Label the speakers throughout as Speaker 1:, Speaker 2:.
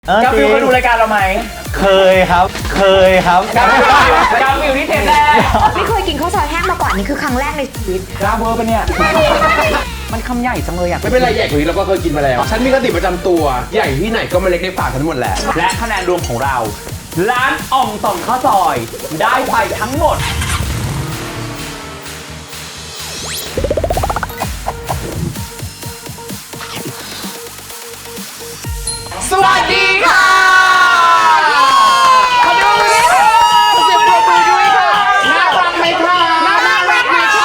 Speaker 1: กาฟิลเคยดูรายการเราไหม
Speaker 2: เคยครับ
Speaker 1: กาฟิลที่เทปแรก
Speaker 3: ไม่เคยกินข้าวซอยแห้งมาก่อนนี่คือครั้งแรกในชีวิต
Speaker 1: กล้าเวอร์ปะเนี่ยมันคำใหญ่จังเลยอ่ะ
Speaker 4: ไม่เป็นไรใหญ่กว่านี้เราก็เคยกินมาแล้วฉันมีกติประจำตัวใหญ่ที่ไหนก็ไม่เล็กในปากฉันหมดแหละ
Speaker 1: และคะแนนรวมของเราร้านอ่องต่องข้าวซอยได้ไปทั้งหมด
Speaker 4: สวัสดีค่ะขอดูมือค่ะเสียงปรบมือด้วยค่ะน่ารักไหมคะน่ารักไหมคะ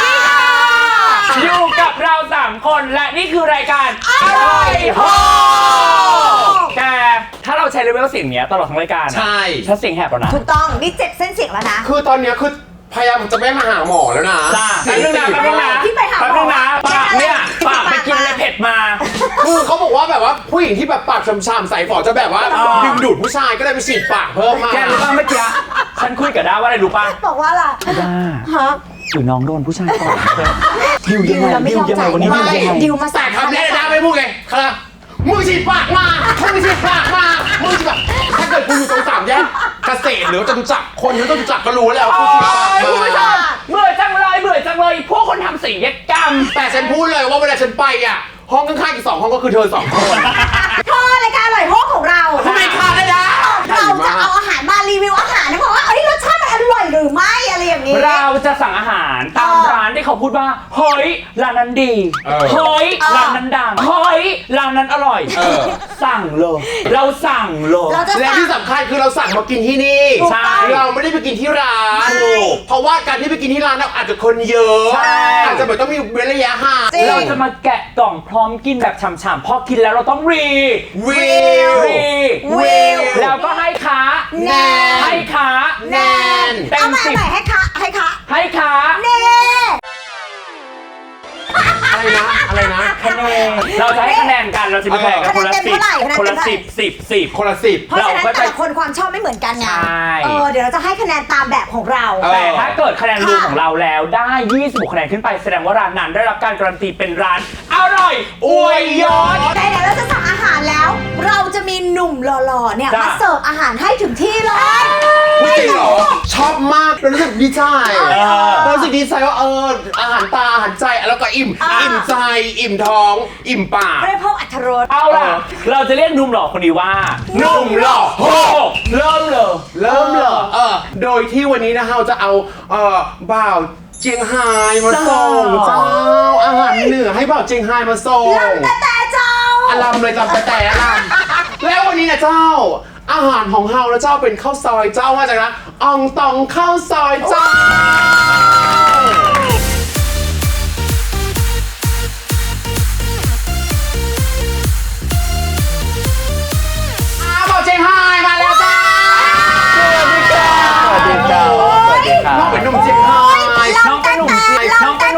Speaker 1: อยู่กับเรา3คนและนี่คือรายการอร่อยโฮแกถ้าเราใช้เลเวลเสียงเนี้ยตลอดทั้งรายการ
Speaker 4: ใช่
Speaker 1: ฉันเสียงแหบแล้วนะ
Speaker 3: ถูกต้องนี่7เส้นเสียงแล้วนะ
Speaker 4: คือตอนเนี้ยคือพยายามจะไม่มาหาหมอแล้วนะ
Speaker 1: จ้าแป๊บนึงนะ
Speaker 3: ที่ไปหาหมอ
Speaker 1: ปากเนี่ยปากไปกินอะไรเผ็ดมา
Speaker 4: คือเขาบอกว่าแบบว่าผู้หญิงที่แบบปากช้ำๆใส่ฝอจะแบบว่าดึงดูดผู้ชายก็เลยไปฉีดปากเพิ่มมา
Speaker 1: แกรู้ป่ะเมื่อกี้ฉันคุยกับด้าว่าอะไรรู้ป่ะ
Speaker 3: บอกว่าล่ะ
Speaker 1: ด้า
Speaker 3: ฮะ
Speaker 1: หรือน้องโดนผู้ชายต่อยดิวยังไงวันนี้
Speaker 3: ดิวมา
Speaker 4: แต่คำแรกได้ไม่พูดไงครับมึงฉีดปากมามึงฉีดปากมามึงฉีดปากถ้าเกิดคุณอยู่ตรง3แยกเกษตรหรือจตุจักรคนที่จตุจักรก็รู้แล้วคุณฉีดปากมา
Speaker 1: เบื่อจังเลยพวกคนทำศัลยกรรม
Speaker 4: แต่ฉันพูดเลยว่าเวลาฉันไปอ่ะห้องข้างๆอีก2ห้องก็คือเธอ2คน
Speaker 3: รายการอร่อยโฮของเรา
Speaker 4: ทำไมขาดได้นะ
Speaker 3: เราจะเอาอาหารมารีวิวอาหารนะเพราะว่าเอ้ยรสชาติมันอร่อยหรือไม่อะไรอย่างนี้
Speaker 1: เราจะสั่งอาหารตามร้านที่เขาพูดว่าเฮ้ยร้านนั้นดีเฮ้ยร้านนั้นดังเฮ้ยร้านนั้นอร่อยสั่งเลยเราสั่งเลย
Speaker 4: และที่สำคัญคือเราสั่งมากินที่นี่
Speaker 1: ใช่
Speaker 4: เราไม่ได้ไปกินที่ร้านเพราะว่าการที่ไปกินที่ร้านเราอาจจะคนเยอะอาจจะแบบต้องมีเว้นระยะห่าง
Speaker 1: เราจะมาแกะกล่องพร้อมกินแบบฉ่ำๆพอกินแล้วเราต้องวิวแล้วก็ให้ขา
Speaker 3: แนน
Speaker 1: ให้ขา
Speaker 3: แนน
Speaker 1: เต็ม10
Speaker 3: ให้ขา
Speaker 1: แนน
Speaker 4: อะไรนะ
Speaker 1: คะแนนเราจะให้คะแนนกันเราจะมีคะแนนกันคนละ10คนละ10
Speaker 4: คนละ10
Speaker 3: เพราะฉะนั้นแต่ละคนความชอบไม่เหมือนกันไงเดี๋ยวเราจะให้คะแนนตามแบบของเรา
Speaker 1: แต่ถ้าเกิดคะแนนรวมของเราแล้วได้26คะแนนขึ้นไปแสดงว่าร้านนั้นได้รับการการันตีเป็นร้านอร่อยอวยยศ
Speaker 3: แต่เดี๋ยวเราจะสั่งอาหารแล้วเราจะมีหนุ่มหล่อๆเนี่ยมาเสิร์ฟอาหารให้ถึงที่เลย
Speaker 4: จริงเหรอชอบมากรู้สึกดีใจรู้สึกดีใจว่าอาหารตาอาหารใจแล้วก็อิ่มใจอิ่มท้องอิ่มปาก
Speaker 3: ไม่ได้เพิ่มอรรถรส
Speaker 1: เอาล่ะเราจะเรียกหนุ่มหล่อคนนี้ว่าหนุ่มหล่อโฮเริ่มเลย
Speaker 4: โดยที่วันนี้นะเราจะเอาบ่าวเจียงไฮ้มาส่งเจ้าอาหารเหนือให้บ่าวเจียงไฮ้มาส่ง
Speaker 3: ลำแต่เจ้า
Speaker 4: อลัมเลยจำแต่อลัมแล้ววันนี้นะเจ้าอาหารของเฮาแล้วเจ้าเป็นข้าวซอยเจ้ามาจากร้านอ่องตองข้าวซอยเจ้าบอกเจียงไฮ้มาแล้วจ้า
Speaker 2: สวัสดีครับ
Speaker 4: น้องเป็นหนุ่มเจียงไฮ้
Speaker 1: น้องเป็นหนุ่มเจียงน้องเป็น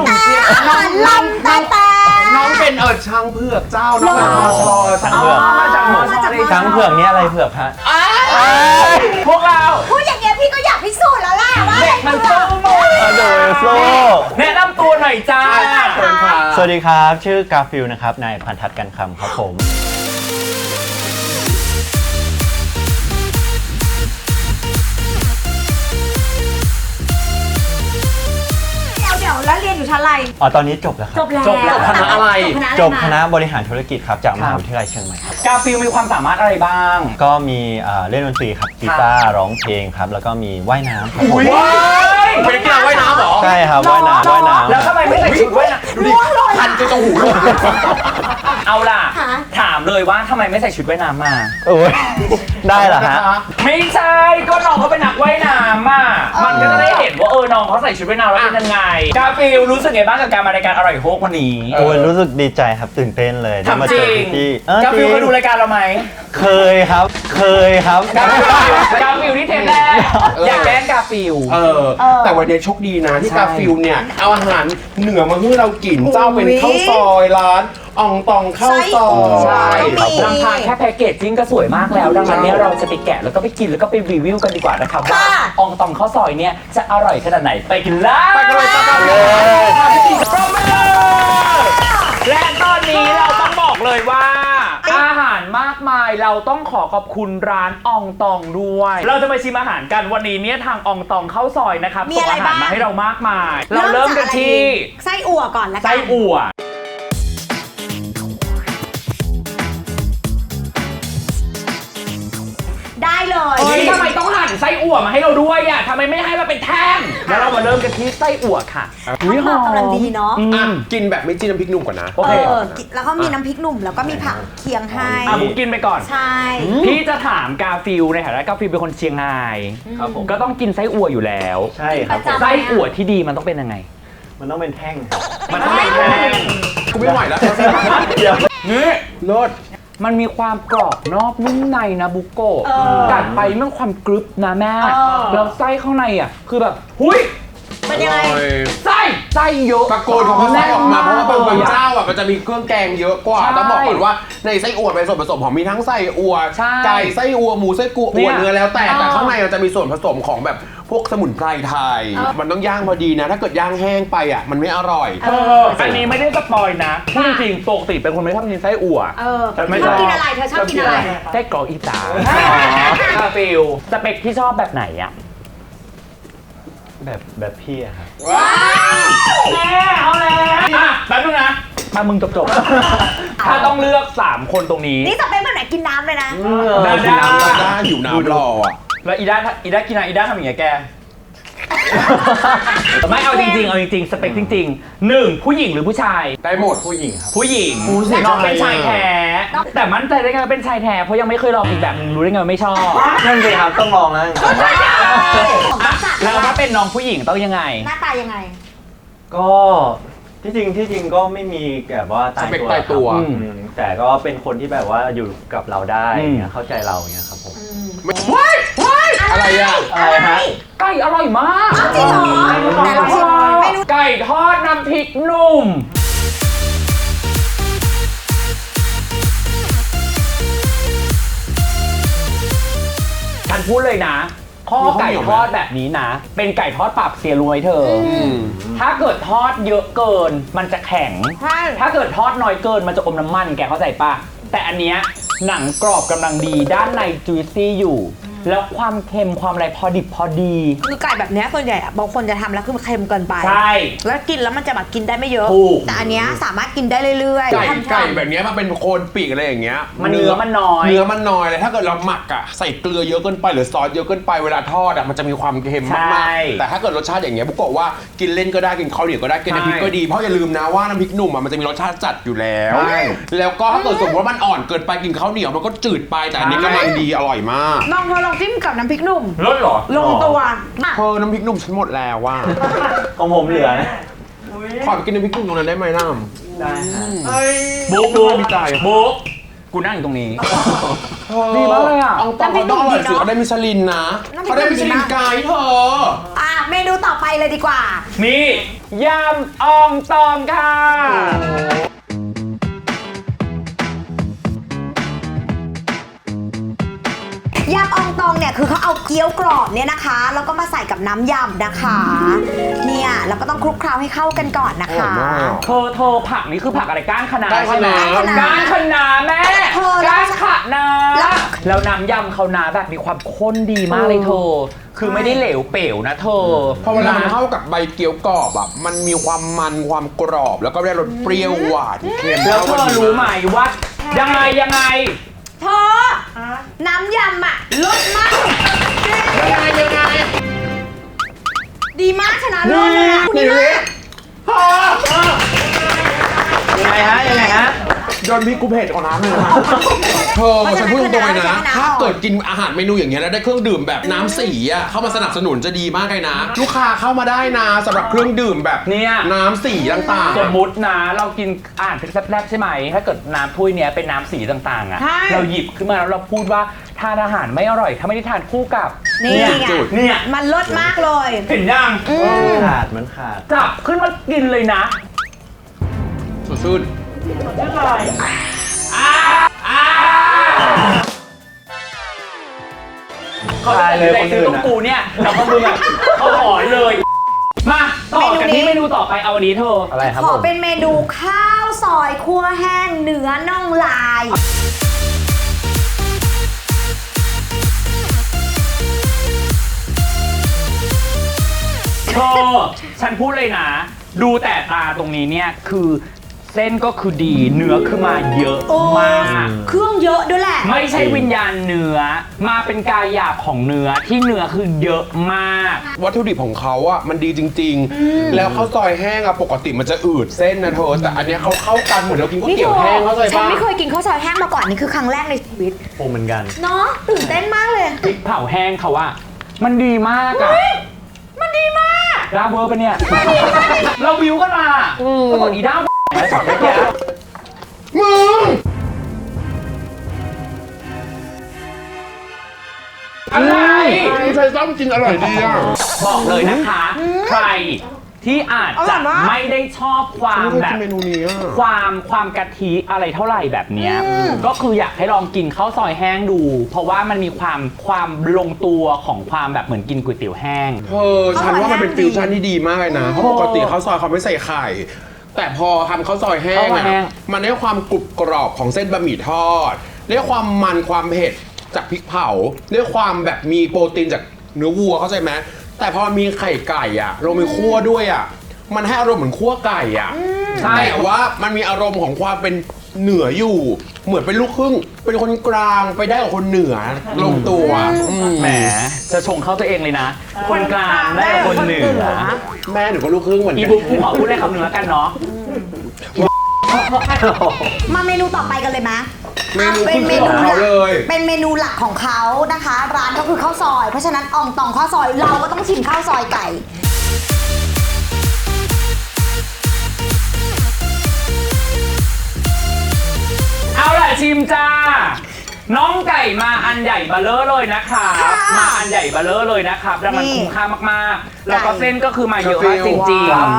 Speaker 1: ช้างเผือกเจ้าน้องช้างเผือก
Speaker 2: ช้างเผือกนี่อะไรเผือกฮะ
Speaker 1: พวกเรา
Speaker 3: พูดอย่างเงี้ยพี่ก็อยากพิสูจน์แล้วล่ะว่า
Speaker 1: เด็กมันโต
Speaker 2: โดยโฟล
Speaker 1: แนะนำตัวหน่อยจ้า
Speaker 2: สวัสดีครับชื่อกาฟิลนะครับนายพันทัศน์กันคำครับผม
Speaker 3: แล้วเรียนอยู่ชั้นอะไร
Speaker 2: ตอนนี้จบแล้วครับ
Speaker 3: จบ
Speaker 4: คณะอะไร
Speaker 2: จบคณะบริหารธุรกิจครับจากมหาวิทยาลัยเชียงใหม่ครับ
Speaker 1: กาฟิลมีความสามารถอะไรบ้าง
Speaker 2: ก็มีเล่นดนตรีครับกีตาร์ร้องเพลงครับแล้วก็มีว่ายน้ำครับผม
Speaker 4: เป็นกีฬาว่ายน้ำเหรอ
Speaker 2: ใช่ครับว่ายน้ำ
Speaker 1: แล้วทำไมไม่ใส่ชุดว่ายน้ำ
Speaker 4: ดูดิพันจนตรงหูเลย
Speaker 1: เอาล่ะถามเลยว่าทำไมไม่ใส่ชุดว่ายน้ำมา
Speaker 2: โอ้ยได้เหรอฮะ
Speaker 1: ไม่ใช่ก็น้องเขาเป็นนักว่ายน้ำอ่ะมันก็จะได้เห็นว่าน้องเขาใส่ชุดว่ายน้ำแล้วเป็นยังไงกาฟิลรู้สึกไงบ้างกับการมารายการอร่อยโฮกวันนี้
Speaker 2: โอ้ยรู้สึกดีใจครับตื่นเต้นเลย
Speaker 1: ได้มาเจอพี่กาฟิลเคยดูรายการเราไหม
Speaker 2: เคยครับ
Speaker 1: กาฟิลที่เทปแรกอยากแกล้งกาฟิล
Speaker 4: แต่วันนี้โชคดีนะที่กาฟิลเนี่ยเอาอาหารเหนือมาให้เรากินเจ้าเป็นข้าวซอยร้านอ่องตองข้าวซอย
Speaker 1: ลำพังแค่แพ็กเกจจิ้งก็สวยมากแล้วดังนั้นเนี่ยเราจะไปแกะแล้วก็ไปกินแล้วก็ไปรีวิวกันดีกว่านะครับว่าอ่องตองข้าวซอยเนี่ยจะอร่อยขนาดไหนไปกันเลยและตอนนี้เราต้องบอกเลยว่าอาหารมากมายเราต้องขอบคุณร้านอองตองด้วย เราจะไปชิมอาหารกันวันนี้เนี่ยทางอองตองเข้าซอยนะครับ
Speaker 3: มี
Speaker 1: ส่ง
Speaker 3: อะไร
Speaker 1: อาหาร
Speaker 3: บ้าง
Speaker 1: มาให้เรามากมาย เราเริ่มกันที่
Speaker 3: ไส้อั่วก่อนละกัน
Speaker 1: ไส้อั่ว
Speaker 3: ได้เลย
Speaker 1: เฮ้ยทำไมต้องหั่นไส้อั่วมาให้เราด้วยอ่ะทำไมไม่ให้มาเป็นแท่งแล้วเรามาเริ่มกันที่ไส้อั่วค่ะ
Speaker 3: อุ๊ยหอมกำลังดีเนาะ
Speaker 1: อืม
Speaker 4: กินแบบไม่จิ้มน้ำพริกหนุ่มก่อนนะ
Speaker 1: โอเค
Speaker 3: แล้วก็มีน้ำพริกหนุ่มแล้วก็มีผักเคียงให้
Speaker 1: บุ๊กกินไปก่อน
Speaker 3: ใช่
Speaker 1: พี่จะถามกาฟิลในฐานะกาฟิลเป็นคนเชียงราย
Speaker 2: ครับผม
Speaker 1: ก็ต้องกินไส้อั่วอยู่แล้ว
Speaker 2: ใช่ครับผม
Speaker 1: ไส้อั่วที่ดีมันต้องเป็นยังไง
Speaker 2: มันต้องเป็นแท่งครับ
Speaker 1: มันต้องเป็นแท่ง
Speaker 4: กูไม่ไหวแล้ว
Speaker 2: เดี๋ยว
Speaker 1: นี่
Speaker 4: รส
Speaker 1: มันมีความกรอบนอกนุ่มในนะบุโกะกัดไปมันความกรึบนะแม่แล้วไส้ข้างในอ่ะคือแบบหุย
Speaker 3: เป็นยังไง
Speaker 1: ไส้เยอะ
Speaker 4: ตะโกนของเขาไส้ออกมาเพราะว่าบางเจ้าอ่ะมันจะมีเครื่องแกงเยอะกว่า
Speaker 1: ใช่
Speaker 4: ต้องบอกก่อนว่าในไส้อั่วเป็นส่วนผสมของมีทั้งไส้อั่ว
Speaker 1: ใช่
Speaker 4: ไก่ไส้อั่วหมูไส้กั่ว
Speaker 1: เนี่
Speaker 4: อั่วย เนื้อแล้วแต่ข้างในมันจะมีส่วนผสมของแบบพวกสมุนไพรไทย มันต้องย่างพอดีนะ ถ้าเกิดย่างแห้งไปอ่ะมันไม่อร่อย
Speaker 1: อันนี้ไม่ได้สปอยนะพูดจริงๆปกติเป็นคนไม่ชอบกินไส้อั่ว
Speaker 3: เธอชอบกินอะไรเธอชอบกินอะไร
Speaker 1: ไส้กรอกอีสานกาฟิลสเปคที่ชอบแบบไหนอ่ะ
Speaker 2: แบบพี่อะครับ
Speaker 1: แม่เอาแล้วอ่ะแป๊บนึงนะมามึงจบๆถ้าต้องเลือก3คนตรงนี้
Speaker 3: นี่จะเป็นแบบไหนกินน้ำเลยนะ
Speaker 1: ได้
Speaker 4: กินน้ำได้หิวน้ำรออ่ะ
Speaker 1: แล้วอีด้ากินอะไรอีด้าทำอย่างเงี้ยแก ไม่เอาจริงๆเอาจริงๆสเปคจริงๆ1ผู้หญิงหรือผู้ชาย
Speaker 4: ได้หมด
Speaker 2: ผู้หญิงครับ
Speaker 1: ผู้หญิง
Speaker 4: ผู้หญิง
Speaker 1: น้องเป็นชายแท้ แต่มั่นใจได้ไงว่าเป็นชายแท้เพราะยังไม่เคยลองอีกแบบนึงรู้ได้ไงว่าไม่ชอบ
Speaker 2: นั่นสิครับต้องลองนะ
Speaker 1: อ่ะแล้วถ้าเป็นน้องผู้หญิงต้องยังไง
Speaker 3: หน้าตายังไง
Speaker 2: ก็ที่จริงก็ไม่มีแบบว่าตาย
Speaker 4: สเปค
Speaker 2: ตัว
Speaker 4: ตายตัว
Speaker 2: ครับแต่ก็เป็นคนที่แบบว่าอยู่กับเราได้
Speaker 1: อืม
Speaker 2: เงี้ยเข้าใจเราเงี้ยครับผม
Speaker 4: ว้ายอะไรอ่ะ
Speaker 2: อะไรฮะ
Speaker 1: ไก่อร่อยมาก
Speaker 3: จริงเหรอไหนลองชิมเมนู
Speaker 1: ไก่ทอดน้ำพริกหนุ่มฉันพูดเลยนะ ข้อไก่ทอดแบบนี้นะ เป็นไก่ทอดปรับเสียรวยเธออถ้าเกิดทอดเยอะเกินมันจะแข็ง
Speaker 3: ใช่
Speaker 1: ถ้าเกิดทอดน้อยเกินมันจะอมน้ำมันแกเข้าใจปะแต่อันเนี้ยหนังกรอบกำลังดีด้านในจุยซี่อยู่ แล้วความเค็มความอะไรพอดิบพอดี
Speaker 3: คือไก่แบบเนี้ยส่วนใหญ่อะบางคนจะทำแล้วคือมันเค็มเกินไป
Speaker 1: ใช่
Speaker 3: แล้วกินแล้วมันจะแบบกินได้ไม่เยอะ
Speaker 1: ถูก
Speaker 3: แต่อันเนี้ยสามารถกินได้เรื่อยๆ
Speaker 4: ไก่
Speaker 3: ทำๆ
Speaker 4: ไก่แบบเนี้ยมันเป็นโคนปีกอะไรอย่างเงี้ย
Speaker 1: มันเนื้อมันน้อย
Speaker 4: เนื้อมันน้อยเลยถ้าเกิดเราหมักอ่ะใส่เกลือเยอะเกินไปหรือซอสเยอะเกินไปเวลาทอดอ่ะมันจะมีความเค็มมาก
Speaker 1: ใช่
Speaker 4: ๆแต่ถ้าเกิดรสชาติอย่างเงี้ยบุกบอกว่ากินเล่นก็ได้กินข้าวเหนียวก็ได้กินน้ำพริกก็ดีเพราะอย่าลืมนะว่าน้ำพริกหนุ่มอ่ะมันจะมีรสชาติจัดอยู่แล้ว
Speaker 1: ใช่
Speaker 4: แล้วก็ถ้าเกิดสมมติว่ามันอ่อนเกินไปกินข้าวเหนียวมันก็จืดไปแต่อันนี้กำลังดีอร่อยมาก
Speaker 3: ลองเธอลองจิ้มกับน้ำพริกหนุ่ม
Speaker 1: รสเหรอ
Speaker 3: ลงตัวอ่ะ
Speaker 4: เธอน้ำพริกหนุ่มฉันหมดแล้วว่า
Speaker 2: ของผมเหลือนะ
Speaker 4: ขอไปกินน้ำพริกหนุ่มตรงนั้นได้ไหมน้
Speaker 2: ได้ฮะ
Speaker 1: บุ๊ก
Speaker 4: ดูดีใจ
Speaker 1: บุ๊กกูนั่งอยู่ตรงนี้
Speaker 4: ำ
Speaker 1: ดีมากเลยอะ
Speaker 4: เอาตองเขาต้องอร่อยสิเขาได้มิชลินนะเขาได้มิชลินไกด์เธอ
Speaker 3: อ่ะเมนูต่อไปเลยดีกว่า
Speaker 1: นี่ยำอองตองค่ะ
Speaker 3: ยำอองตองเนี่ยคือเขาเอาเกี๊ยวกรอบเนี่ยนะคะ แล้วก็มาใส่กับน้ำยำนะคะ เนี่ยแล้วก็ต้องคลุกเคล้าให้เข้ากันก่อนนะคะ
Speaker 1: เธอผักนี่คือผักอะไรก้านคะน้า
Speaker 4: ก้าน
Speaker 1: ใช่
Speaker 4: คะ
Speaker 1: ไหม
Speaker 4: น้า
Speaker 1: ก้านคะน้าแม่
Speaker 3: เธอ
Speaker 1: ก้านคะน้า
Speaker 3: แล้ว
Speaker 1: แล้วน้ำยำเขานาแบบมีความข้นดีมากเลยเธอ คือไม่ได้เหลวเป๋วนะเธอ
Speaker 4: พอเวลามันเข้ากับใบเกี๊ยวกรอบอ่ะมันมีความมันความกรอบ แล้วก็ได้รสเปรี้ยวหวานเค็ม
Speaker 1: แล้วเธอรู้ไหมว่ายังไง
Speaker 3: เธอน้ำยำอ่ะรสมาก
Speaker 4: ยังไง
Speaker 3: ดีมากชนะเลิศเลยอ่ะดีมาก
Speaker 2: ยังไงฮะ
Speaker 4: โดนพี่กูเผ็ดของน้ำเลยนะเธอฉันพูดตรงๆเลยนะ ถ้าเกิดกินอาหารเมนูอย่างเงี้ยแล้วได้เครื่องดื่มแบบน้ำสีอ่ะเข้ามาสนับสนุนจะดีมากเลยนะ ลูกค้าเข้ามาได้นะสำหรับเครื่องดื่มแบบ
Speaker 1: เนี่ย
Speaker 4: น้ำสีต่าง
Speaker 1: สมมุตินะเรากินอาหารแซ่บๆใช่ไหมถ้าเกิดน้ำถ้วยเนี้ยเป็นน้ำสีต่างๆอ่ะเราหยิบขึ้นมาแล้วเราพูดว่าทานอาหารไม่อร่อยถ้าไม่ได้ทานคู่กับ
Speaker 3: นี่ไง
Speaker 1: เนี่ย
Speaker 3: มันรสมากเลย
Speaker 1: เห็นยัง
Speaker 2: มันขาด
Speaker 1: จับขึ้นมากินเลยนะ
Speaker 4: ๆสดชื่น
Speaker 1: เขาจะเลยซื้อตรงกูเนี่ยเราก็ดูแบบเขาหอยเลย มาต่อกันที่เมนูต่อไปเอาอันนี้เธอ
Speaker 2: อะไรครับ
Speaker 3: ขอ
Speaker 2: ผม
Speaker 3: เป็นเมนูข้าวซอยคั่วแห้งเนื้อน่องลาย
Speaker 1: เธอฉันพูดเลยนะ ดูแต่ตาตรงนี้เนี่ยคือเส้นก็คือดีเนื้อคือมาเยอะมาก
Speaker 3: เครื่องเยอะด้วยแหละ
Speaker 1: ไม่ใช่วิญญาณเนื้อมาเป็นกายหยาบของเนื้อที่เนื้อคือเยอะมาก
Speaker 4: วัตถุดิบของเขาอ่ะมันดีจริง ๆ แล้วข้าวซอยแห้งอ่ะปกติมันจะอืดเส้นนะเธอแต่อันเนี้ยเขาเข้ากันเหมือนเรากินก๋วยเตี๋ยวแห้งเข้าใจ
Speaker 3: ฉัน
Speaker 4: ปะ
Speaker 3: ไม่เคยกินข้าวซอยแห้งมาก่อนนี่คือครั้งแรกในชีวิต
Speaker 2: ผมเหมือนกัน
Speaker 3: เนาะตื่นเต้นมากเลย
Speaker 1: พริกเผาแห้งเขาว่า มันดีมากอะมันดีมากดาวเวอร์ปะเนี่ย เราวิวกันมาปรากฏอีดาวแล้วช็อตเมื่อกี้
Speaker 4: มึง
Speaker 1: อะไร
Speaker 4: ใช้ซ้ำกินอร่อยดีอ่ะ
Speaker 1: บอกเลยนะคะ ใครที่อาจจะไม่ได้ชอบความ
Speaker 4: ไม่เคย
Speaker 1: แบ
Speaker 4: กิ
Speaker 1: บ
Speaker 4: นเมนูนี้อ่ะ
Speaker 1: ความกะทิอะไรเท่าไหร่แบบเนี้ยก็คืออยากให้ลองกินข้าวซอยแห้งดู เพราะว่ามันมีความลงตัวของความแบบเหมือนกินก๋วยเตี๋ยวแห้ง
Speaker 4: เธอฉันว่ามันเป็นฟิวชั่นที่ดีมากเลยนะ เพราะปกติข้าวซอยเขาไม่ใส่ไข่ แต่พอทำข้าวซอยแห้ง
Speaker 1: ข้าวซอย
Speaker 4: อ่ะ
Speaker 1: แห้ง
Speaker 4: มันได้ความกรุบกรอบของเส้นบะหมี่ทอดได้ความมันความเผ็ดจากพริกเผาได้ความแบบมีโปรตีนจากเนื้อวัวเข้าใจไหมแต่พอมีไข่ไก่อ่ะเรามีคั่วด้วยอ่ะมันให้อารมณ์เหมือนคั่วไก่อ่ะ
Speaker 1: ใช่
Speaker 4: แต่ว่ามันมีอารมณ์ของความเป็นเหนืออยู่ เหมือนเป็นลูกครึ่ง เป็นคนกลางไปได้กับคนเหนือลงตัวอืม
Speaker 1: แหมจะชงเข้าตัวเองเลยนะ คนกลางได้กับคนเหนือ
Speaker 4: แม่หนูก็ลูกครึ่งเหมือน
Speaker 1: อี
Speaker 4: กัน
Speaker 1: บุ๊กกูขอพูดได้คำเนื้อกันเนาะ
Speaker 3: มาเมนูต่อไปกันเลยไหม
Speaker 4: เมนู
Speaker 3: เป็นเมนู
Speaker 4: ของ
Speaker 3: หลั
Speaker 4: เขา
Speaker 3: ก
Speaker 4: เลย
Speaker 3: เป็นเมนูหลักของเขานะคะ ร้านก็คือข้าวซอย เพราะฉะนั้นอองตองข้าวซอยเราก็ต้องชิมข้าวซอยไก่
Speaker 1: เอาล่ะชิมจ้า น้องไก่มาอันใหญ่เบลเลอร์เลยนะคะ
Speaker 3: ค่ะ
Speaker 1: มาอันใหญ่เบลเลอร์เลยนะครับแล้วมัน
Speaker 3: นี่
Speaker 1: คุ้มค่ามากๆ แล้วก็เส้นก็คือมาเยอะมากจริง
Speaker 3: ว้าว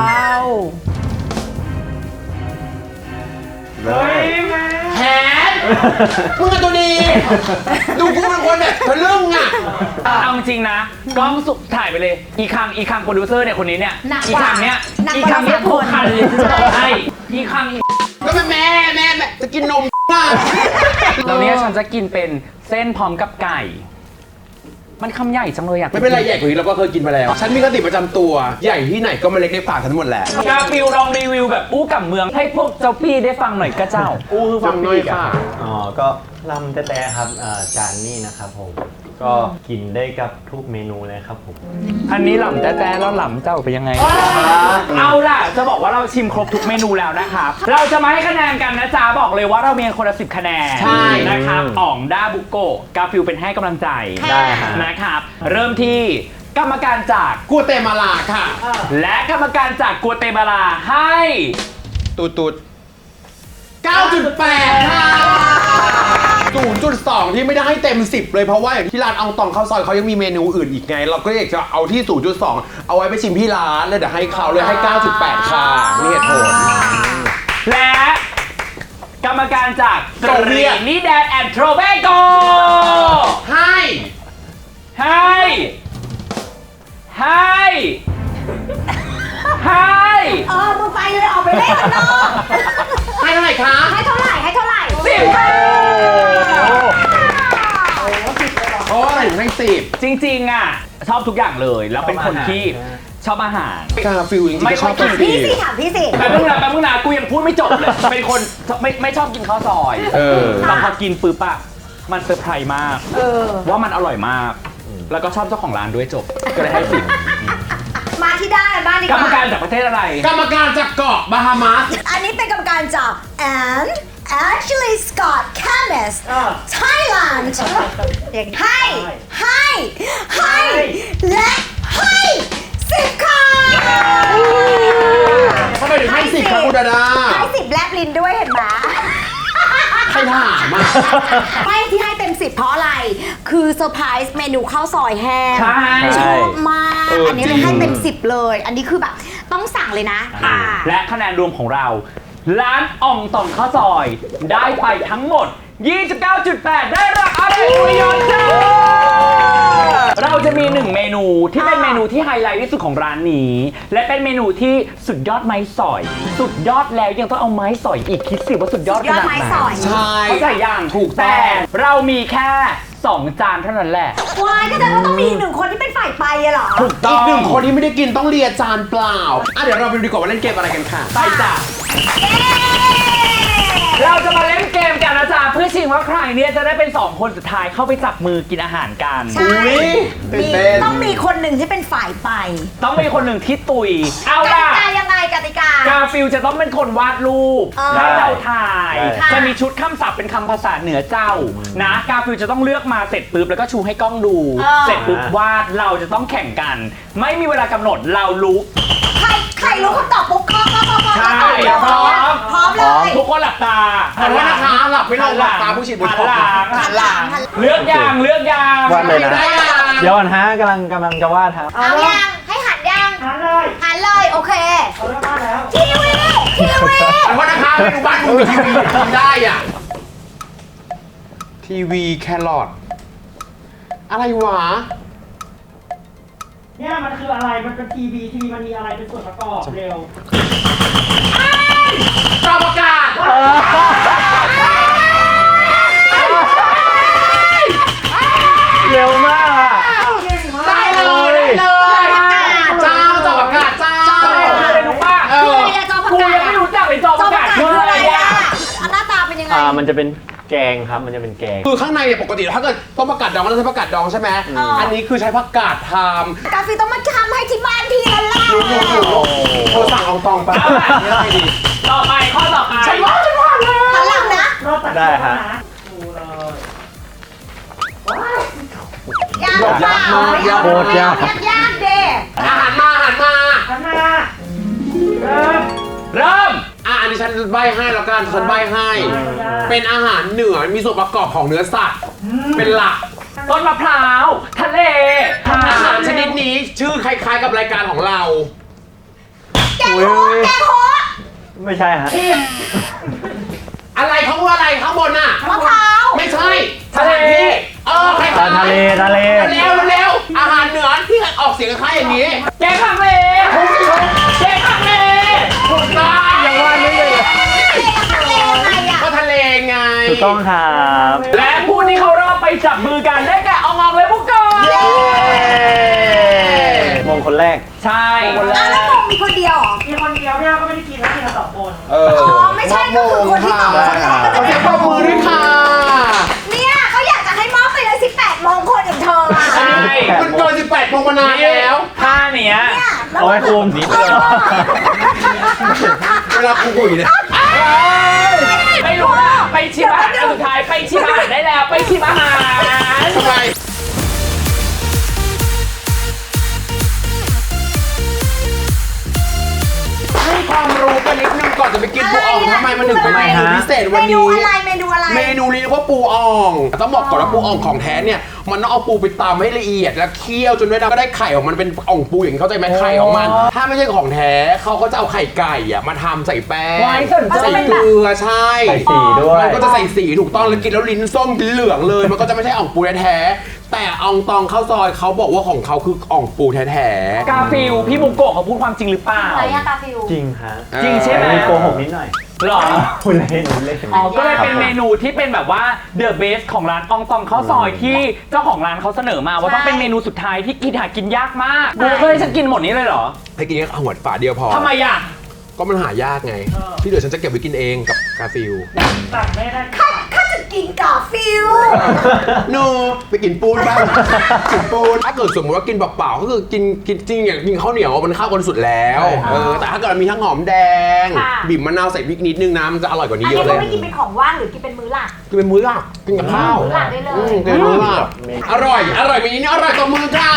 Speaker 1: ๆเฮ้ยแม่
Speaker 4: แฮนมึงกับตัวดี ดูกูเป็นคนแบบทะลึ่งอ่ะ
Speaker 1: เอาจริงนะกล้องสุกถ่ายไปเลย อีคังโปรดิวเซอร์เนี่ยคนนี้เนี่ย
Speaker 3: หนัก
Speaker 1: อี
Speaker 3: กว่า
Speaker 1: คังเนี่ย
Speaker 3: หนัก
Speaker 1: อี
Speaker 3: กว่า
Speaker 1: คังเนี่ย
Speaker 3: เรา
Speaker 1: ทุกคันเลยที่จะบอกให้อีคัง
Speaker 4: ก็เป็นแม่จะกินนมอ่ะ
Speaker 1: แล้วเนี่ยฉันจะกินเป็นเส้นพร้อมกับไก่ มันคำใหญ่จังเลยอยาก
Speaker 4: ไม่เป็นไรใหญ่กว่านี้เราก็เคยกินมาแล้ว ฉันมีคติประจำตัว ใหญ่ที่ไหนก็มาเล็กในปากฉันหมดแหละ
Speaker 1: กาฟิวลองรีวิวแบบอู้กับเมืองให้พวกเจ้าพี่ได้ฟังหน่อยก็เจ้า อู้คือฟัง
Speaker 4: ฟังหน่อย
Speaker 1: ปีก
Speaker 4: ค่ะ
Speaker 2: อ๋อ ก็ลำแต่ครับจานนี้นะครับผม ก็กินได้กับทุกเมนูเลยครับผม
Speaker 1: อันนี้หล่ำแต่แล้วหล่ำเจ้าเป็นยังไง เอาล่ะ จะบอกว่าเราชิมครบทุกเมนูแล้วนะครับ เราจะมาให้คะแนนกันนะจ๊ะ บอกเลยว่าเรามีคนละ10 คะแนน
Speaker 4: ใช่
Speaker 1: นะครับอ่องด้าบุโกะกาฟิวเป็นให้กำลังใจ
Speaker 2: ได้ฮะ
Speaker 1: นะครับ เริ่มที่กรรมการจาก
Speaker 4: กัวเตมาลาค่ะ
Speaker 1: และกรรมการจากกัวเตมาลาให้
Speaker 4: ตูด9.8 ค่ะ 0.2 ที่ไม่ได้ให้เต็ม 10 เลยเพราะว่าอย่างที่ร้านอองตองข้าวซอยเขายังมีเมนูอื่นอีกไง เราก็อยากจะเอาที่ 0.2 เอาไว้ไปชิมที่ร้านเลยเดี๋ยวให้เขาเลยให้ 9.8 ค่ะมีเหตุผล
Speaker 1: และกรรมการจาก
Speaker 4: โซเวียต
Speaker 1: นี่แดนแอนโทรเบโก
Speaker 4: ให้
Speaker 1: ให้
Speaker 3: มึงไปเลยออกไปเล่นข้างนอก
Speaker 4: ให้เท่าไหร่คะ
Speaker 3: ให้เท่าไหร่ให้เท่าไหร่
Speaker 1: 10
Speaker 4: โอ้ยให้10
Speaker 1: จริงๆอ่ะชอบทุกอย่างเลยแล้วเป็นคนที่ชอบอาหาร
Speaker 4: กาฟิลจริงๆ
Speaker 1: ไม่
Speaker 4: ก็ชอบ
Speaker 1: ค่อยกิน
Speaker 4: กาฟิ
Speaker 3: พี่
Speaker 4: ล
Speaker 3: สิถามพี่สิ
Speaker 1: แป๊บนึงนะกูยังพูดไม่จบเลย เป็นคนไม่ชอบกินข้าวซอย
Speaker 4: เออ
Speaker 1: แต่พอกินปุ๊บอะมันเซอร์ไพรส์มากว่ามันอร่อยมาก แล้วก็ชอบเจ้าของร้านด้วยจบก็เลยให้10
Speaker 3: มาที่ด้านกันบ้างดีก
Speaker 1: กร
Speaker 3: ว่าร
Speaker 1: มการจากประเทศอะไร
Speaker 4: กรรมการจากเกาะบาฮามาส
Speaker 3: อันนี้เป็นกรรมการจาก and Ashley Scott Chemist Thailand ให้และให้10ค่ะ
Speaker 4: ทำไมถึงให้10ครับคุณดาดา
Speaker 3: ให้10แลบลิ้นด้วยเห็นไหม
Speaker 4: ใครถามอ่ะ
Speaker 3: ไม่ที่ให้เต็ม10เพราะอะไร คือเซอร์ไพรส์เมนูข้าวซอยแห้ง
Speaker 1: ใช่
Speaker 3: ชอบมาก อันนี้เลยให้เต็ม
Speaker 4: จริง
Speaker 3: 10เลย อันนี้คือแบบต้องสั่งเลยนะค่ะ
Speaker 1: และคะแนนรวมของเรา ร้านอ่องต่องข้าวซอย ได้ไปทั้งหมด 29.8 ได้รับอะไรอุยอนจ้าเราจะมี1เมนูที่เป็นเมนูที่ไฮไลท์ที่สุดของร้านนี้ และเป็นเมนูที่สุดยอดไม้สอย สุดยอดแล้วยังต้องเอาไม้สอยอีกคิดสิว่าสุดยอดข
Speaker 3: ยอด
Speaker 1: นาด
Speaker 3: ไม้
Speaker 1: ไหน
Speaker 3: สอย
Speaker 4: ใช่
Speaker 1: เข้าใจยัง
Speaker 4: ถูกต้อง
Speaker 1: แต่เรามีแค่ 2 จานเท่านั้นแหละ
Speaker 3: วายก็จะต้องมีอีกหนึ่งคนที่เป็นฝ่ายไปอะเหรอ
Speaker 1: ถูกต้
Speaker 4: อี
Speaker 1: อก ง
Speaker 4: หนึ่งคนที่ไม่ได้กินต้องเลียจานเปล่าเดี๋ยวเราไปดูดีกว่าว่าเล่นเกมอะไรกันค่ะ
Speaker 1: ไปจ้ะเราจะมาเล่นเกมกันนะจ๊ะเพื่อชิงว่าใครเนี่ยจะได้เป็น 2 คนสุดท้ายเข้าไปจับมือกินอาหารกัน
Speaker 3: ใช่
Speaker 2: ตื่น
Speaker 3: มี
Speaker 2: เต้น
Speaker 3: ต้องมีคนหนึ่งที่เป็นฝ่ายไป
Speaker 1: ต้องมีคนหนึ่งที่ตุย เอา
Speaker 3: กติ
Speaker 1: ล่ะ
Speaker 3: กายังไงกติกา
Speaker 1: กาฟิลจะต้องเป็นคนวาดรูป
Speaker 3: เออ
Speaker 1: ให้เราถ่าย
Speaker 3: ค่ะ
Speaker 1: จะมีชุดคำศัพท์เป็นคำภาษาเหนือเจ้านะกาฟิลจะต้องเลือกมาเสร็จปุ๊บแล้วก็ชูให้กล้องดู เสร็จปุ๊บวาดเราจะต้องแข่งกัน ไม่มีเวลากำหนดเรารู้
Speaker 3: ใครรู้คำตอบปุ๊บข้อ
Speaker 1: ใช่
Speaker 3: พร้อมพร้อมเลย
Speaker 1: ทุกคนหลับตา
Speaker 4: ขอโทษนะคะหลับไม่ลงหลับตาผู้ฉีดบุหรี่
Speaker 1: หันหลังเลือกยางเลือกยาง
Speaker 2: วาดเลยนะ
Speaker 1: ได้ยัง
Speaker 2: เดี๋ยวก่อนฮะกำลังจะวาดครับ
Speaker 3: เอายังให้หันยังหันเลยโอเคทีวี
Speaker 4: ขอโทษนะคะไม่ดูบ้านมึงมีทีวีทำได้อ่ะทีวีแครอทอะไรวะ
Speaker 5: เนี่ยมันคืออะไร มันเป็นทีวีมันมีอะไรเป็นส่วนประกอบเร็ว
Speaker 4: จอประกาศ
Speaker 2: เร็วมากอะ
Speaker 4: ได้เลยเจ้าจอประกาศเจ้า
Speaker 1: อะไรรู้ป่ะ
Speaker 3: คืออะไรอะจอประ
Speaker 1: กู
Speaker 3: กาศ
Speaker 1: ยังไม่รู้จักเลยจอ
Speaker 3: จ
Speaker 1: ป
Speaker 3: อ
Speaker 1: ระ
Speaker 3: ประ
Speaker 1: กาศ
Speaker 3: กาศ
Speaker 1: คื
Speaker 3: คือ อ
Speaker 1: อะ
Speaker 3: อะไร ไร
Speaker 1: อะ
Speaker 3: อะหน้าตาเป็นยังไง
Speaker 2: มันจะเป็นแกงครับ มันจะเป็นแกง
Speaker 4: คือข้างในเนี่ยปกติถ้าเกิดต้มผักกาดดองก็ต้องใช้ผักกาดดองใช่ไหมอันนี้คือใช้ผักกาดท
Speaker 3: กาฟิต้องมาทำให้ที่บ้านพี่แล้วล่ะ
Speaker 4: ำเธอสั่งเอาตองไปไม่ได้ดิ
Speaker 1: ต่อไปข้อต่อไป
Speaker 4: ฉันว่าเลย
Speaker 3: หันหลังนะ
Speaker 5: รอบตัด
Speaker 2: ได้ฮะ
Speaker 5: ดูเลย
Speaker 3: ยากเปล่า
Speaker 2: โคตรยาก
Speaker 3: ยากเด้
Speaker 4: อาหารมา
Speaker 5: ข้างหน้าเริ่ม
Speaker 1: เริ่ม
Speaker 4: อันนี้ฉันใบให้แล้วกันฉันใบให้ เป็นอาหารเหนือมีส่วนประกอบของเนื้อสัตว์ เป็นหลัก
Speaker 1: ต้นมะพร้าวทะเล
Speaker 4: อาหารชนิดนี้ชื่อคล้ายๆกับรายการของเรา
Speaker 3: แกงโฮะแกงโฮะ
Speaker 2: ไม่ใช่ฮะ
Speaker 4: อะไรเขาว่าอะไรข้างบนน่ะ
Speaker 3: มะพร้าว
Speaker 4: ไม่ใช่
Speaker 1: ทะเล
Speaker 4: คล้ายๆ
Speaker 2: ทะเล
Speaker 4: เร็วอาหารเหนือที่ออกเสียงคล้ายอย่างนี้
Speaker 1: แกงฮังเลแกงฮังเล
Speaker 4: ถูกต้อง
Speaker 2: ยังวาดไม่เลย
Speaker 3: ทะเลยังไงอะ
Speaker 4: ก็ทะเลไง
Speaker 2: ถูกต้องครับ
Speaker 1: และผู้ที่เขารอบไปจับมือกันได้แก่อองและพวกกอน
Speaker 2: มงคนแรก
Speaker 1: ใช่
Speaker 3: แล้วมงมีคนเดียวเหรอ
Speaker 5: มีคนเดียวเนี่ยก็ไม่ได้กินแล้วกินกัน2 คน
Speaker 4: เออ
Speaker 3: อ๋อไม่ใช่ก็คือคนที่ตอบคนแรกก็จะ
Speaker 4: ขอ
Speaker 3: เป็
Speaker 4: เสีย
Speaker 3: น
Speaker 4: งปรบมือด้วยค่ะ
Speaker 3: เนี่ยเขาอยากจะให้มอบไปเลย18โมงคนอย่างเธออะ
Speaker 1: ใช่
Speaker 4: มันเกิน18โมงมานานแล้ว
Speaker 1: ท่าเนี้ย
Speaker 3: เนี่ยแล้ว
Speaker 2: เอาไว้คุมนี้
Speaker 4: เวลาคุยเนี่ย
Speaker 1: ไม่รู้ว่าไปชิมอาหารอันสุดท้ายไปชิมอาหารได้แล้วไปชิมอาหาร
Speaker 4: ทำไม ให้ความรู้กันนิดนึงก่อนจะไปกินปูอ่องทำไมมันถึงเป็นเมนูพิเศษวัน
Speaker 3: เมนู
Speaker 4: นี้
Speaker 3: อะไรเมนูอะไร
Speaker 4: เมนูนี้เรียกว่าปูอ่อง ต้องบอกก่อนว่าปูอ่องของแท้เนี่ย มันต้องเอาปูไปตำให้ละเอียดแล้วเคี่ยวจนได้ก็ได้ไข่ของมันเป็นอ่องปูอย่างนี้เข้าใจไหมไข่ของมัน ถ้าไม่ใช่ของแท้เขาก็จะเอาไข่ไก่อะมาทำใส่แป้ง
Speaker 1: ไว้สนใจ
Speaker 4: ใส่เกลือใช่
Speaker 2: ใส่สีด้วย
Speaker 4: มันก็จะใส่สีถูกต้องแล้วกินแล้วลิ้นส้มกินเหลืองเลย มันก็จะไม่ใช่อ่องปูแท้ๆแต่อ่องตองข้าวซอยเขาบอกว่าของเขาคืออ่องปูแท้ๆ
Speaker 1: กาฟิลพี่บุกโกะเขาพูดความจริงหรือเปล่า
Speaker 3: อะไรอะกาฟิว
Speaker 2: จริงฮะ
Speaker 1: จริงใช่ไหม
Speaker 2: มีโกหกนิดหน่อย
Speaker 1: หรอ
Speaker 2: คุณเล่นเล่น
Speaker 1: อ๋อก็เลยเป็นเมนูที่เป็นแบบว่าเดอะเบสของร้านอองตองข้าวซอยที่เจ้าของร้านเขาเสนอมาว่าต้องเป็นเมนูสุดท้ายที่กินหากินยากมากกูเคยฉันกินหมดนี้เลยเหรอ
Speaker 4: ให้กินแค่หัวฝาเดียวพอ
Speaker 1: ทำไมอ่ะ
Speaker 4: ก็มันหายากไง ที่เหลือฉันจะเก็บไว้กินเองกับกาฟิล
Speaker 5: ตัดไม่ได้
Speaker 3: ข้าจะกินกาฟิว
Speaker 4: โนไปกินปูนบ้าง กินปูนถ้าเกิดสมมติว่ากินเปล่าๆก็คือกินจริงอย่างกินข้าวเหนียวมันเข้ากันสุดแล้วแต่ถ้าเกิดมีทั้งหอมแดง บีบมะนาวใส่พริกนิดนึงนะมันจะอร่อยกว่านี้
Speaker 3: อัน
Speaker 4: เย
Speaker 3: นี้
Speaker 4: อะเล
Speaker 3: เขา
Speaker 4: ย
Speaker 3: ไม่กินเป็นของว่างหรือกินเป็นมื้อหลัก
Speaker 4: กินเป็นมื้อหลักกินกับข้าว
Speaker 3: มื้อหลักได้เลย
Speaker 4: กินเป็นมื้อหลักอร่อยมีนี้อร่อยตัวมือค่ะ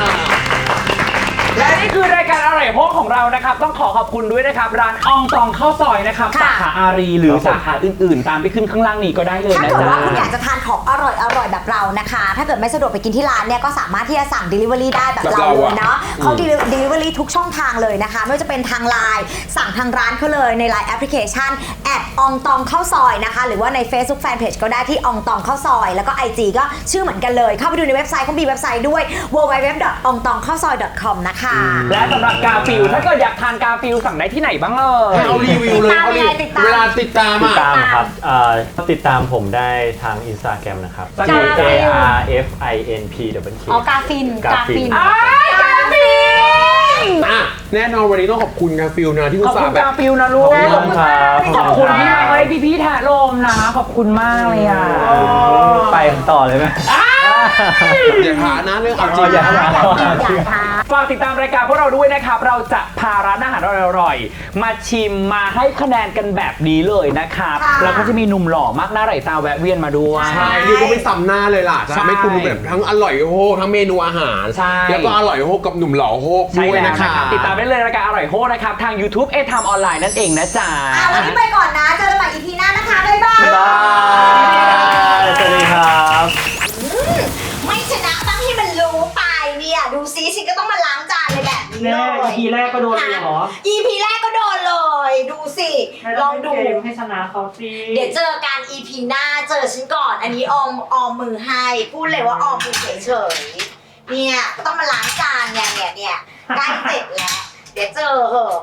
Speaker 1: และนี่คือรายการอร่อยโฮกของเรานะครับต้องขอขอบคุณด้วยนะครับร้านอองตองข้าวซอยนะครับ
Speaker 3: ค่ะ
Speaker 1: สาขาอารีหรือสาขาอื่นๆ ตามไปขึ้นข้างล่างนี้ก็ได้เลย
Speaker 3: ถ้า
Speaker 1: นะ
Speaker 3: เกิด
Speaker 1: จ๊ะ
Speaker 3: ว่าคุณอยากจะทานของอร่อยแบบเรานะคะ ถ้าเกิดไม่สะดวกไปกินที่ร้านเนี่ยก็สามารถที่จะสั่ง Delivery ได้แบบเราเลยเนาะเขา Delivery ทุกช่องทางเลยนะคะ ไม่ว่าจะเป็นทางไลน์สั่งทางร้านเขาเลยใน Line แอปพลิเคชันอองตองข้าวซอยนะคะ หรือว่าใน Facebook Fanpage ก็ได้ที่อองตองข้าวซอยแล้วก็ IG ก็ชื่อเหมือนกันเลย เข้าไปดูในเว็บไซต์เขามีเว็บไซต์ด้วย www.ongtongkhawsoy.com นะคะ
Speaker 1: และสำหรับกาฟิลถ้าเกิดอยากทานกาฟิลสั่งได้ที่ไหนบ้างเอ่ย
Speaker 4: ให้เอารีวิวเลย
Speaker 3: ติดตาม
Speaker 4: เวลาติดตาม
Speaker 2: ติด
Speaker 4: อ่ะ
Speaker 2: ตามครับติดตามผมได้ทาง Instagram นะครับ
Speaker 1: สะกด
Speaker 2: GARFINPWK
Speaker 3: อ๋อกาฟิน
Speaker 2: กาฟิน
Speaker 1: อ้ายกาฟิล
Speaker 4: อ่ะแน่นอนวันนี้ต้องขอบคุณกาฟิลนะที่
Speaker 1: ข
Speaker 4: อุ
Speaker 1: อบ
Speaker 4: ตส่า
Speaker 1: คุณ
Speaker 4: ห์แบบ
Speaker 1: กาฟิลนะลูก
Speaker 2: ขอบคุณครับ
Speaker 1: ขอบคุณที่มาให้พี่ๆแทะลมนะ ขอบคุณมากเลยอ่ะ
Speaker 2: ไปต่อเลยไหม
Speaker 4: อย่าหานะเรื่องเอาจริง
Speaker 2: อย่าหา
Speaker 1: ฝากติดตามรายการพวกเราด้วยนะครับ เราจะพาร้านอาหารอร่อยๆมาชิมมาให้คะแนนกันแบบนี้เลยนะครับ
Speaker 3: ค่ะ
Speaker 1: แล้วก็จะมีหนุ่มหล่อมากหน้าไหลตาแวะเวียนมาด้วย
Speaker 4: ใช่เรียกว่าไม่ซ้ำหน้าเลยล่ะ จะทำให้คุณแบบทั้งอร่อยโฮกทั้งเมนูอาหาร
Speaker 1: ใช่
Speaker 4: แล้วก็อร่อยโฮกกับหนุ่มหล่อโฮก
Speaker 1: ใช่
Speaker 4: ด้วย
Speaker 1: แล้ว
Speaker 4: นะ
Speaker 1: นะคะ ครับติดตามได้เลยรายการอร่อยโฮนะครับ ทาง YouTube เอทามออนไลน์นั่นเองนะจ๊ะ
Speaker 3: วันนี้ไปก่อนนะ เจอกันใหม่ EP หน้านะคะ บ๊ายบาย
Speaker 2: บ๊ายบายสวัสดีครับ
Speaker 3: ไม่ชนะต้องให้มันรู้ไปเนี่ย ดูซิฉันก็ต้องมาล้างจานในแบบนี้
Speaker 5: แน่
Speaker 3: เลย
Speaker 5: ทีแรกก็โดนเลยเหรอ
Speaker 3: EP แรกก็โดนเลย ดูสิ ลองดู
Speaker 5: เกมให้ชนะเขาสิ
Speaker 3: เดี๋ยวเจอกัน EP หน้าเจอฉันก่อน อันนี้ออมมือให้ พูดเลยว่าออมมือเฉยๆเนี่ยก็ต้องมาล้างจานเนี่ยใกล้เสร็จแล้ว เดี๋ยวเจอเหอะ